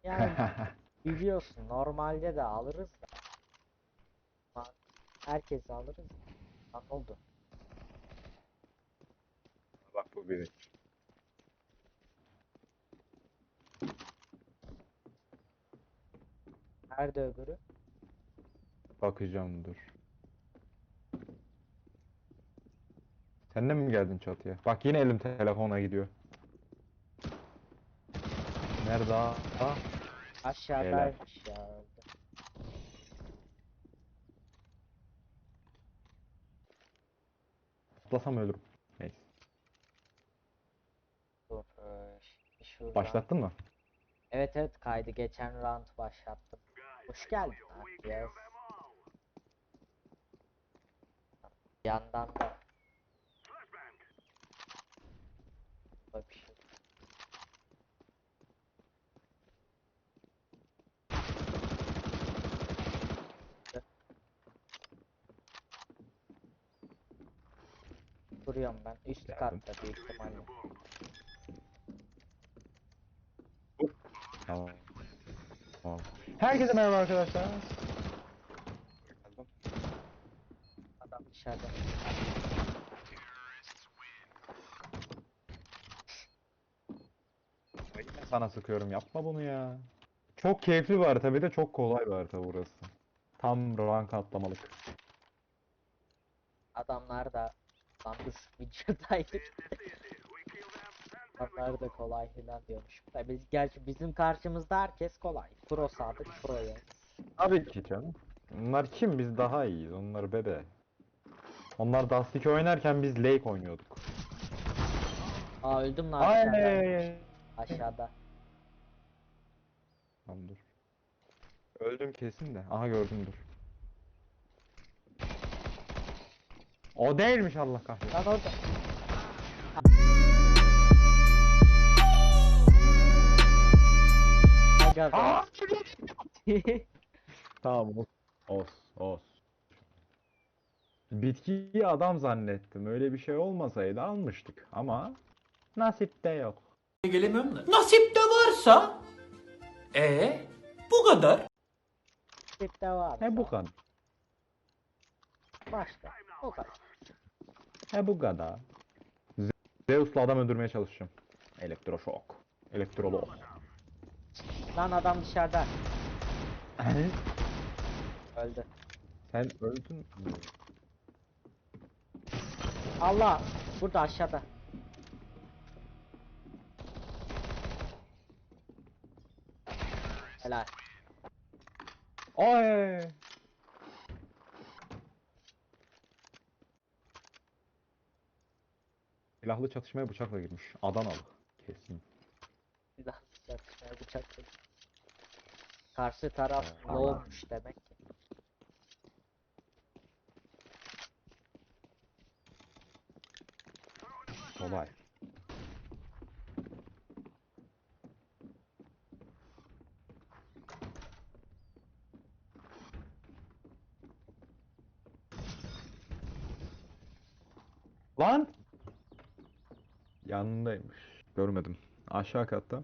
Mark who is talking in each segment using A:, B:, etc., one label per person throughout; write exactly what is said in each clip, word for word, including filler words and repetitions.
A: Yani biliyorsun normalde de alırız da. Ama herkes alırız. Lan oldu.
B: Bak bu biri.
A: Nerede öbürü?
B: Bakacağım dur. Sen de mi geldin çatıya? Bak yine elim telefona gidiyor. Nerede? Ha? Helal.
A: Aşağıdaymış ya.
B: Atlasam ölürüm. Neyse.
A: Dur. Ee, şimdi şuradan.
B: Başlattın mı?
A: Evet evet kaydı. Geçen round başlattım. Hoş geldin abi ya. Yandan da böyle bir şey. Duruyorum ben. Üst
B: Geldim.
A: katta büyük ihtimalle.
B: Tamam. Tamam. Herkese merhaba arkadaşlar.
A: Adam dışarıda.
B: Yine sana sıkıyorum. Yapma bunu ya. Çok keyifli bir harita, bir de çok kolay bir harita burası. Tam rank atlamalık.
A: Adamlar da lan dur videodaydık. Adamlar da kolay filan diyormuş. Tabii gerçi bizim karşımızda herkes kolay. Pro Sadık Pro'ya.
B: Tabii ki canım. Onlar kim? Biz daha iyiyiz. Onlar bebe. Onlar Dust iki oynarken biz Lake oynuyorduk.
A: Aa öldüm lan aşağıdaymış.
B: Ay.
A: Aşağıda.
B: Tamam dur. Öldüm kesin de. Aha gördüm dur. O değilmiş Allah kahretsin.
A: Lan orada. Aga be.
B: Aa! Tamam os. Os. Os. Bitkiyi adam zannettim. Öyle bir şey olmasaydı almıştık. Ama nasipte yok.
C: Gelemiyorum da. Nasip de varsa e bu kadar.
A: Tipte var.
B: He bu kadar.
A: Başka. O kadar.
B: He bu kadar. Ze- Zeus'la adam öldürmeye çalışacağım. Elektroşok. Elektrolog.
A: Lan adam dışarıda. Öldü.
B: Sen öldün mü?
A: Allah. Burada aşağıda. Helal.
B: Ay! Silahlı çatışmaya bıçakla girmiş. Adanalı. Kesin.
A: Bir daha çatışmaya bıçak çek. Karşı taraf
B: Tamam.
A: low'muş demek ki.
B: Kolay. Lan! Yanındaymış. Görmedim. Aşağı katta.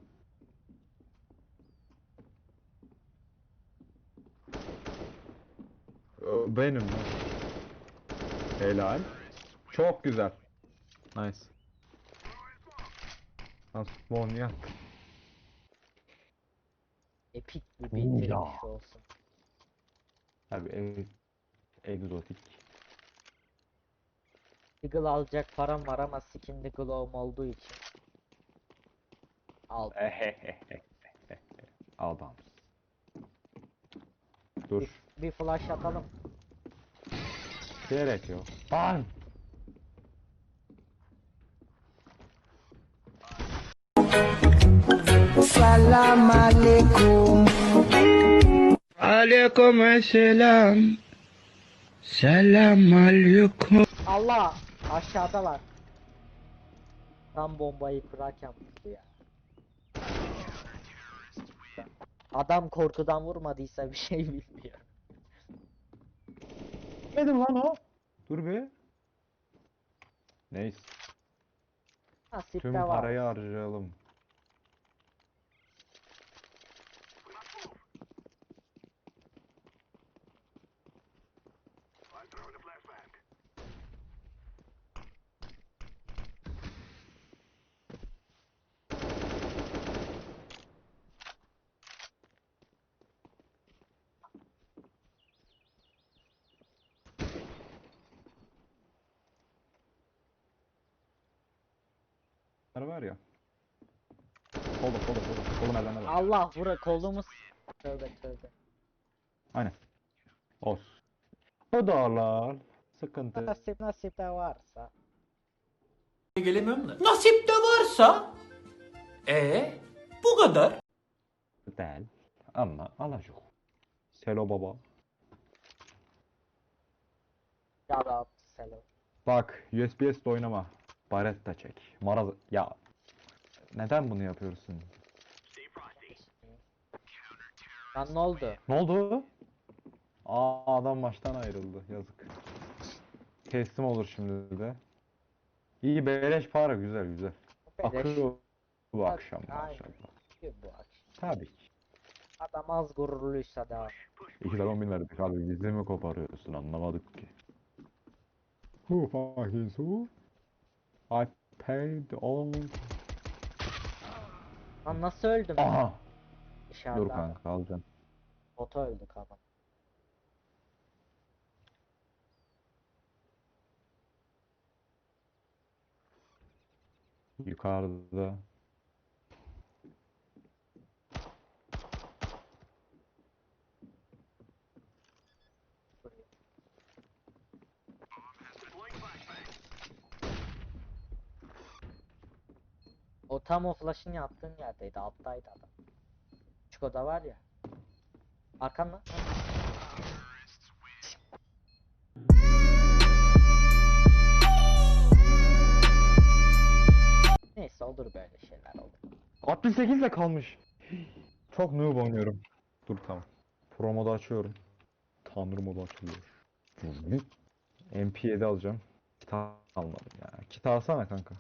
B: Ö, Benim. Helal. Çok güzel. Nice. Nasıl spawn ya?
A: Epik bir
B: Oo,
A: bitiriş
B: ya.
A: olsun.
B: Tabii e egzotik.
A: Deagle alacak param var ama skin Deagle'ım olduğu için. Al.
B: Adam.
A: Bir,
B: Dur.
A: bir flash atalım.
B: Gerek yok. Lan!
D: Salam alaikum. Alaikum selam. Selam alaikum.
A: Allah! Aşağıdalar. Tam bombayı kurarken vurdu ya. Adam korkudan vurmadıysa bir şey bilmiyor.
B: Dedim lan o. Dur bir. Neyse.
A: Nasip
B: Tüm
A: de var.
B: parayı harcayalım. var ya. Solda solda solda. Solda merdivenler var.
A: Allah vura kolumuz. Tövbe tövbe.
B: Aynen. Olsun. O dağlar. Sıkıntı.
A: Nasip nasip de varsa.
C: Gelemiyorum da. Nasip de varsa. E bu kadar.
B: Değil. Ama alacak. Selo baba.
A: Ya da selam.
B: Bak U S B S'de oynama. Baretta çek. Maraz... Ya. Neden bunu yapıyorsun?
A: Lan ne oldu?
B: Ne oldu? Aa adam maçtan ayrıldı. Yazık. Teslim olur şimdi de. İyi beleş para güzel güzel.
A: Beleş.
B: Akıyor bu akşam
A: Aynen.
B: maşallah.
A: Bu akşam.
B: Tabii ki.
A: Adam az gururluysa da.
B: İki de on bin verdik abi bizi mi koparıyorsun anlamadık ki. Who fucking who? I paid all.
A: Lan nasıl öldüm?
B: Aha.
A: Dışarıda.
B: Dur kanka alacağım.
A: Bota öldük adam.
B: Yukarıda.
A: O tam o flash'ın yattığın yerdeydi. Alttaydı adam. Küçük oda var ya. Arkan lan. Neyse olur böyle şeyler olur.
B: altmış sekiz ile kalmış. Çok noob oynuyorum. Dur tamam. Pro modu açıyorum. Tanrı modu açılıyor. M P yedi alacağım. Kitap almadım ya. Kitap alsana kanka.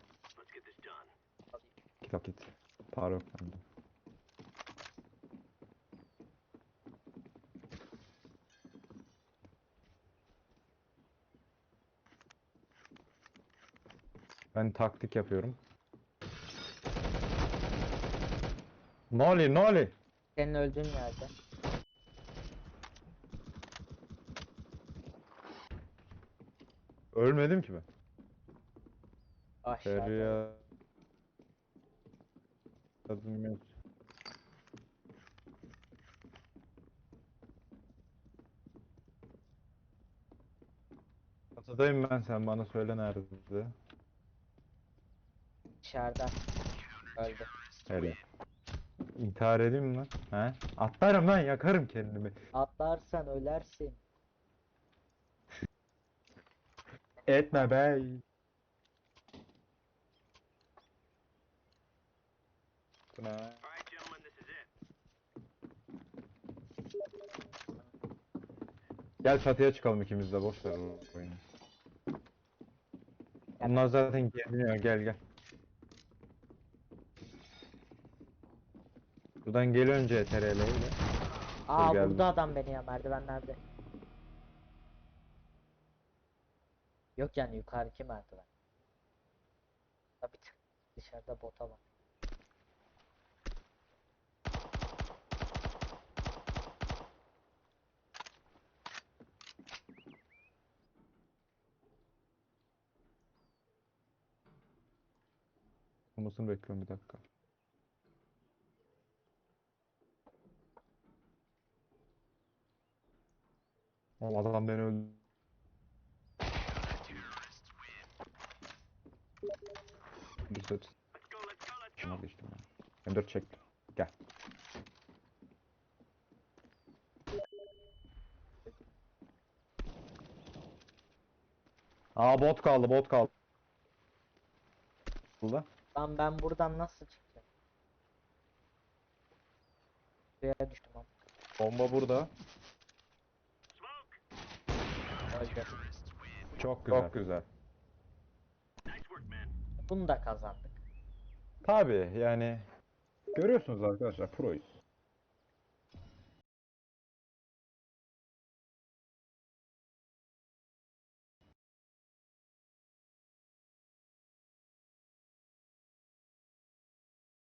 B: Kitap git. Para yok bende. Ben taktik yapıyorum. Noli noli.
A: Senin öldüğün yerde.
B: Ölmedim ki ben.
A: Aşağıda.
B: Feryat. Yazım yok. Çatıdayım ben sen bana söyle nerede?
A: Dışarıda. Öldü.
B: Öyle. İntihar edeyim mi lan? He? Atlarım lan yakarım kendimi.
A: Atlarsan ölersin.
B: Etme bey. Bu ne? Gel çatıya çıkalım ikimiz de boş ver o oyunu. Onlar zaten gelmiyor gel gel. Buradan gel önce T R L ile.
A: Aa
B: geldim.
A: vurdu adam beni ya merdivenlerde. Yok yani yukarıki merdiven. Tabii dışarıda bota var.
B: Olmasını bekliyorum bir dakika. Oğlum adam beni öldü. Bir set. Şuna geçtim ya. M dört çek. Gel. Aa bot kaldı bot kaldı. Burada.
A: Lan ben buradan nasıl çıkacağım? Buraya düştüm ama.
B: Bomba burada.
A: Öldü.
B: Çok güzel. Çok güzel.
A: Bunu da kazandık.
B: Tabii yani görüyorsunuz arkadaşlar proyuz.